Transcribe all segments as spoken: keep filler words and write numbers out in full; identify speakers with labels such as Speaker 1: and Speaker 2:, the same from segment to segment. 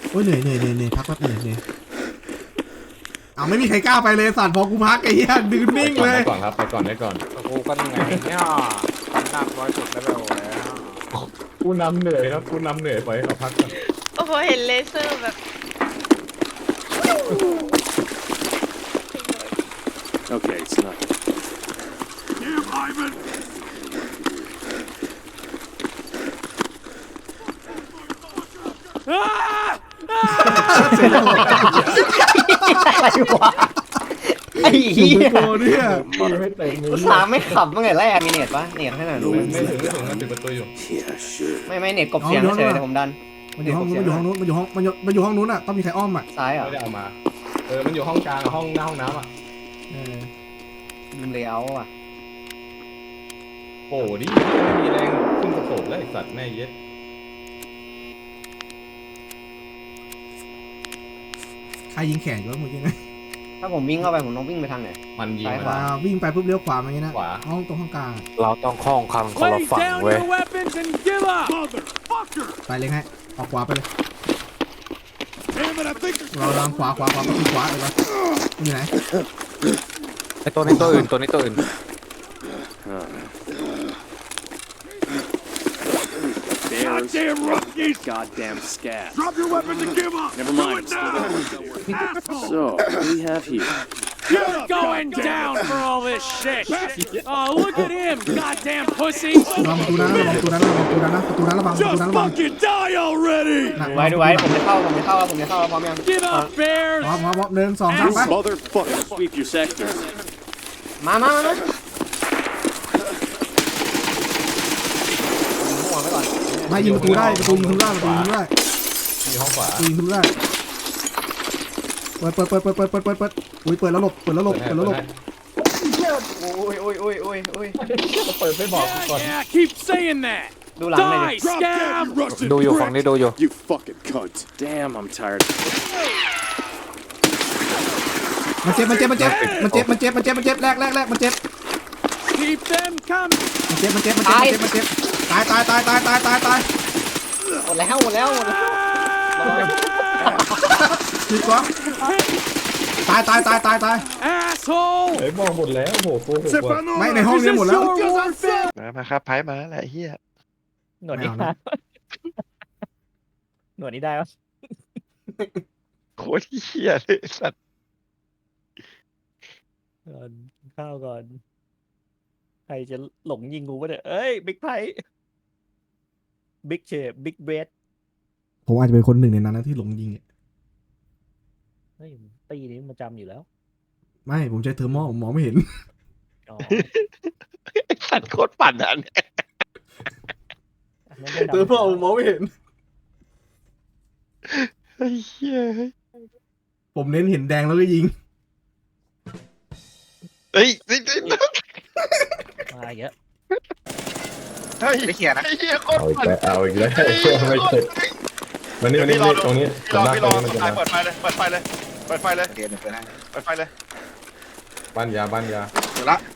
Speaker 1: โอ้ยเหนื่อยเหนื่อยเหนื่อยเหนื่อยพักแป๊บเหนื่อยเหนื่อยเอาไม่มีใครกล้าไปเลยสัตว์พอกูพักไอ้เหี้ยดื้อนิ่งเลย
Speaker 2: ไปก่อนครับไปก่อนไปก่อน
Speaker 3: กูก็ยังไงเนี่ยตั้งหนักร้อยสุดแล้วแล้ว
Speaker 2: กูนำเหนื่อยครับกูนำเหนื่อยปล่อยให้เขาพักก่อน
Speaker 4: โอ้โหเห็นเลเซอร์แบบ
Speaker 5: Okay, it's not. Damn, Ivan!
Speaker 6: อะไรวะไอ้เหี้ย
Speaker 1: โกเนี่ย
Speaker 2: ไม่เต็มเลย
Speaker 6: อุตส่าห์ไม่ขับตั้งแต่แรกมีเน็ตปะเน็ตให้หน่อยดู
Speaker 2: ไม่ไม่ถึงไม่ถึงมันปิดประตูอยู่
Speaker 5: Yeah, sure.
Speaker 6: ไม่ไม่เน็ตกบเสียงเฉยแต่ผมดัน
Speaker 1: มันอยู่ห้องนู้นมันอยู่ห้องนู้นมันอยู่ห้องมันอยู่มันอยู่ห้องนู้นอ่ะต้องมีใครอ้อมอ่ะ
Speaker 6: ซ้ายเหรอ
Speaker 2: ไม่ได้เอามาเออมันอยู่ห้องกลางห้องหน้าห้องน้ำอ่ะ
Speaker 1: เออ
Speaker 6: ลืมเลยเอาอ่ะ
Speaker 2: โอ้ดิไม่มีแรงขึ้นกระโปงแล้วไอ้สัตว์แม่เย็ด
Speaker 1: ใครยิงแขนอยู่วะเมื่อกี้นะ
Speaker 6: ถ้าผมวิ่งเข้าไปผมต้องวิ่งไปทางไหน
Speaker 2: มันยิง
Speaker 6: ซ้าย
Speaker 2: มัน
Speaker 6: ขว
Speaker 1: อ่าวิ่งไปปุ๊บเลี้ยวขวามาอย่างนี้นะ
Speaker 2: ขวา
Speaker 1: ห้องตรงห้องกลาง
Speaker 3: เราต้องคล้องคันคนละฝั่งเว้ย
Speaker 5: weapons and give up! Motherfucker!
Speaker 1: ไปเลยฮะออกขวาไปเลย
Speaker 5: Damn it, I think
Speaker 1: เราลางขวาขวาขวาไปที่ขวาเลยปะมันอยู่ไหน
Speaker 3: ไอตัวนี้ตัวอื่นตัวนี้ตัวอื่น
Speaker 5: Goddamn rookies! Goddamn scat. Drop your weapons and give up! Never mind. Do it now! Asshole! So, what do we have here? You're going down for all this shit! Oh, look at him, goddamn pussy!
Speaker 1: ระวังประตูนั้นนะระวังประตูนั้นนะระวังประตูนั้นนะประตูนั้นระวังประตูนั้นระวัง
Speaker 5: fucking die already!
Speaker 1: นะ
Speaker 6: ดูไว้ดูไว้ผมจะเข้าผมจะเข้าแล้วผมจะเข้าแล้วพร้อมยัง
Speaker 5: Give up, bears!
Speaker 1: พร้อมพร้อมพร้อมหนึ่งสองสามไป
Speaker 5: Motherfucker, sweep your sector.
Speaker 6: มามามาหัวไปก่อน
Speaker 1: ไม่ยิงประตูได้ประตูยิงทะลุได้ประตูยิงทะลุได้
Speaker 2: มีห้องขวา
Speaker 1: ประตูยิงทะลุได้เปิดเปิดเปิดเปิดเปิดเปิดเปิดเปิดอุ้ยเปิดแล้วหลบเปิดแล้วหลบเปิดแล้วหลบ
Speaker 6: โอ้ยโอ้ยโอ้ยโอ้ยโอ้ย
Speaker 2: เปิดไม่บอกก่อน
Speaker 5: Yeah, keep saying that!
Speaker 6: ดูหลังหน่อย
Speaker 5: Die, scab!
Speaker 3: ดูอยู่ฝั่งนี้ดูอยู่
Speaker 5: You fucking cunt. Damn, I'm tired.
Speaker 1: มันเจ็บมันเจ็บมันเจ็บมันเจ็บมันเจ็บมันเจ็บมันเจ็บแรกแรกแรกมันเจ็บ
Speaker 5: Keep them coming!
Speaker 1: มันเจ็บมันเจ็บมันเจ็บมันเจ็บมันเจ็บตายตายตายตายตายตายตาย
Speaker 6: หมดแล้วหมดแล้วหมดแล้ว
Speaker 1: ผิดกว่าตายตายตายตายตาย
Speaker 5: Asshole!
Speaker 2: เฮ้ยบอกหมดแล้วโหโกหกว่ะ
Speaker 1: ไม่ในห้องนี้หมดแล้ว
Speaker 7: มามาครับไพ่มาแล้วแหละเฮีย
Speaker 6: หนวดนี้ได้หนวดนี้ได้ปะ
Speaker 7: โคตรเฮียเลยสัตว์
Speaker 6: ก่อนข้าวก่อนใครจะหลงยิงกูวะเนี่ยเอ้ยบิ๊กไพบิ๊กเชฟบิ๊กเบส
Speaker 1: ผมอาจจะเป็นคนหนึ่งในนั้นนะที่หลงยิงเนี่ย
Speaker 6: เฮ้ยตีนี้มันจำอยู่แล้ว
Speaker 1: ไม่ผมใช้เทอร์โมผมมองไม่เห็น
Speaker 6: อ๋อ
Speaker 7: ไอ้สัตว์โคตรปั่นอ่ะเนี่ย
Speaker 1: เทอร์โมผมมองไม่เห็น
Speaker 7: ไอ้เฮีย
Speaker 1: ผมเน้นเห็นแดงแล้วก็ยิง
Speaker 7: เฮ้ยเฮ้ยเฮ้ย
Speaker 6: มาเยอะ
Speaker 7: เฮ้ยไม่เขียนนะไอ้เฮียโคตร
Speaker 2: เอาอีก
Speaker 7: ปั่น
Speaker 2: แล้วเอาอีกแล้วไม่เสร็จมันนี่มันนี่ตรงนี้
Speaker 7: พี่รอพี่รอ
Speaker 2: มันจะ
Speaker 7: เปิดไฟเลยเปิดไฟเลยเปิดไฟเลยเปิดไฟเลยเปิดไฟเลย
Speaker 2: บ้านยาบ้านยา
Speaker 7: เดี๋ยวละ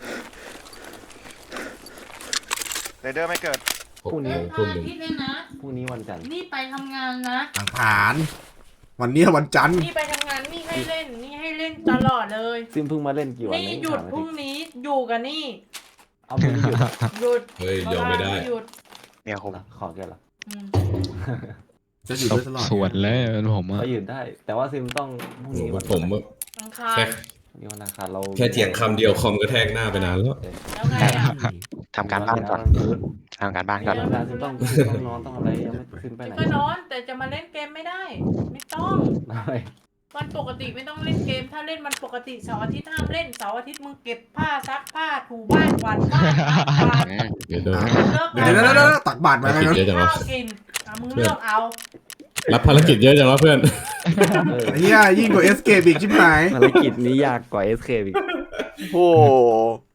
Speaker 7: เรเดอร์ไม่เกิด
Speaker 2: พรุ่งนี้ทุ่มหนึ่ง
Speaker 8: นี่เลยนะ
Speaker 6: พรุ่งนี้วันจันทร์
Speaker 8: นี่ไปทำงานนะ
Speaker 1: อังคารวันนี้วันจันทร์
Speaker 8: นี่ไปทำงานนี่ให้เล่น นี่ให้เล่นตลอดเลย
Speaker 6: ซิมเพิ่งมาเล่นกี่วัน
Speaker 8: นี่หยุดพรุ่งนี้อยู่กันนี่
Speaker 6: เอาพรุ่งนี้หยุด
Speaker 8: หยุด
Speaker 2: เฮ้ยยอมไม่ได้
Speaker 8: หยุด
Speaker 7: เนี่ยผม
Speaker 6: ขอแกเหรอ
Speaker 8: อืม
Speaker 1: จะอยู่ด้วยตลอด
Speaker 9: สวนแล้วผมอะ
Speaker 6: ก็หยุดได้ แต่ว่าซิมต้องพรุ่งนี้วัน
Speaker 2: ผม
Speaker 8: อังคาร
Speaker 6: นี่วันอังคารเรา
Speaker 2: แค่เถียงคำเดียวคอมก็แทกหน้าไปนานแล้ว
Speaker 8: แล้วไงอ่ะ
Speaker 7: ทำการบ้านก่อนทำการบ้านก่อน
Speaker 6: วันอังคารซิมต้องต้องนอนต้องอะไรยังไม่ซิมไปไหน
Speaker 8: ก็นอนแต่จะมาเล่นเกมไม่ได้ ไม่ต้อง
Speaker 6: อะไร
Speaker 8: วันปกติไม่ต้องเล่นเกม ถ้าเล่นวันปกติเสาร์อาทิตย์ห้ามเล่นเสาร์อาทิตย์มึงเก็บผ้าซักผ้าถูบ้านกวาดบ้านล้างจาน
Speaker 2: เดี๋ยวเดี๋ยว
Speaker 8: เลิก
Speaker 1: เดี๋ยวเดี๋ยวเดี๋ยวตักบาตรมาไง
Speaker 2: เยอะจังวะ
Speaker 8: ข้าวกินอ่ะมึงเลือกเอา
Speaker 2: รับภารกิจเยอะจังวะเพื่อน
Speaker 1: ไอ้เหี้ยยิ่งกว่าเอสเกปอีกชิบหาย
Speaker 6: ภารกิจนี้ยากกว่าเอสเคอีก
Speaker 7: โอ้